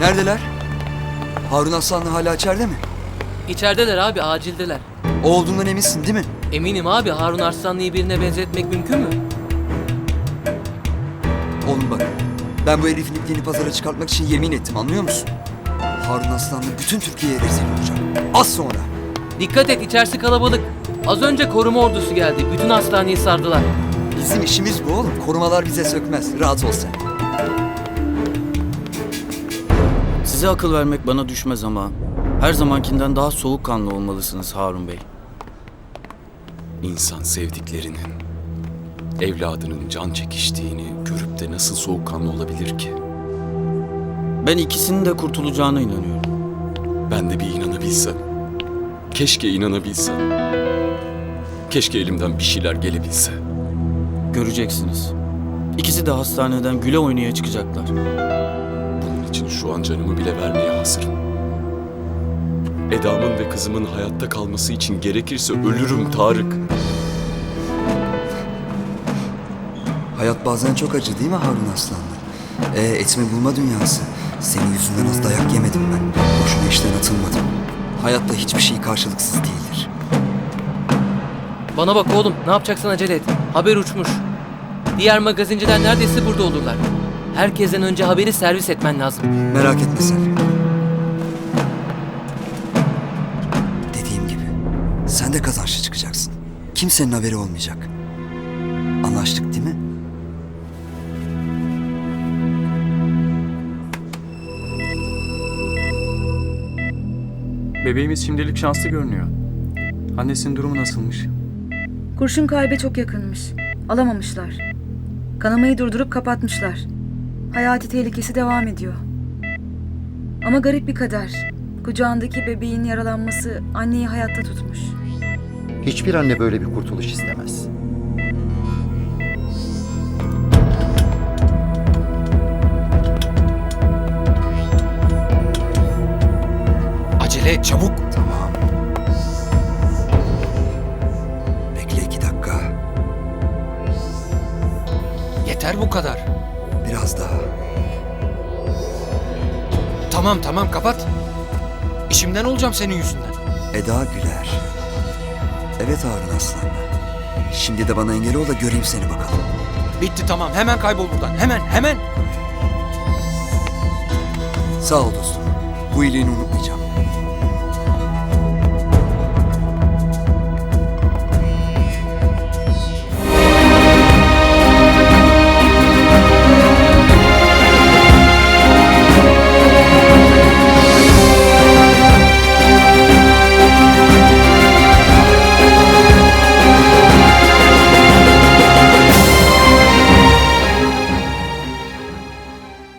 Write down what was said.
Neredeler? Harun Aslanlı hala içeride mi? İçerideler abi, acildeler. O olduğundan eminsin değil mi? Eminim abi, Harun Arslanlı'yı birine benzetmek mümkün mü? Oğlum bak, ben bu herifin ipliğini pazara çıkartmak için yemin ettim, anlıyor musun? Harun Aslanlı bütün Türkiye'ye rezil olacak. Az sonra. Dikkat et, içerisi kalabalık. Az önce koruma ordusu geldi. Bütün hastaneyi sardılar. Bizim işimiz bu oğlum. Korumalar bize sökmez. Rahat ol sen. Size akıl vermek bana düşmez ama her zamankinden daha soğukkanlı olmalısınız Harun Bey. İnsan sevdiklerinin, evladının can çekiştiğini görüp de nasıl soğukkanlı olabilir ki? Ben ikisinin de kurtulacağına inanıyorum. Ben de bir inanabilsem. Keşke inanabilsem. Keşke elimden bir şeyler gelebilse. Göreceksiniz. İkisi de hastaneden güle oynaya çıkacaklar. Bunun için şu an canımı bile vermeye hazırım. Eda'mın ve kızımın hayatta kalması için gerekirse ölürüm Tarık. Hayat bazen çok acı değil mi Harun Aslanlı? Etme bulma dünyası. Senin yüzünden az dayak yemedim ben. Boşuna işten atılmadım. Hayatta hiçbir şey karşılıksız değildir. Bana bak oğlum, ne yapacaksan acele et. Haber uçmuş. Diğer magazinciler neredeyse burada olurlar. Herkesten önce haberi servis etmen lazım. Merak etme sen. Dediğim gibi, sen de kazançlı çıkacaksın. Kimsenin haberi olmayacak. Anlaştık değil mi? Bebeğimiz şimdilik şanslı görünüyor. Annesinin durumu nasılmış? Kurşun kalbe çok yakınmış. Alamamışlar. Kanamayı durdurup kapatmışlar. Hayati tehlikesi devam ediyor. Ama garip bir kader. Kucağındaki bebeğin yaralanması anneyi hayatta tutmuş. Hiçbir anne böyle bir kurtuluş istemez. Acele et çabuk. Tamam. Bekle 2 dakika. Yeter bu kadar. Biraz daha. Tamam kapat. İşimden olacağım senin yüzünden. Eda Güler. Evet Harun Aslanlı. Şimdi de bana engel ol da göreyim seni bakalım. Bitti tamam, hemen kaybol buradan. Hemen. Sağ ol dostum. Bu iyiliğini unutmayacağım.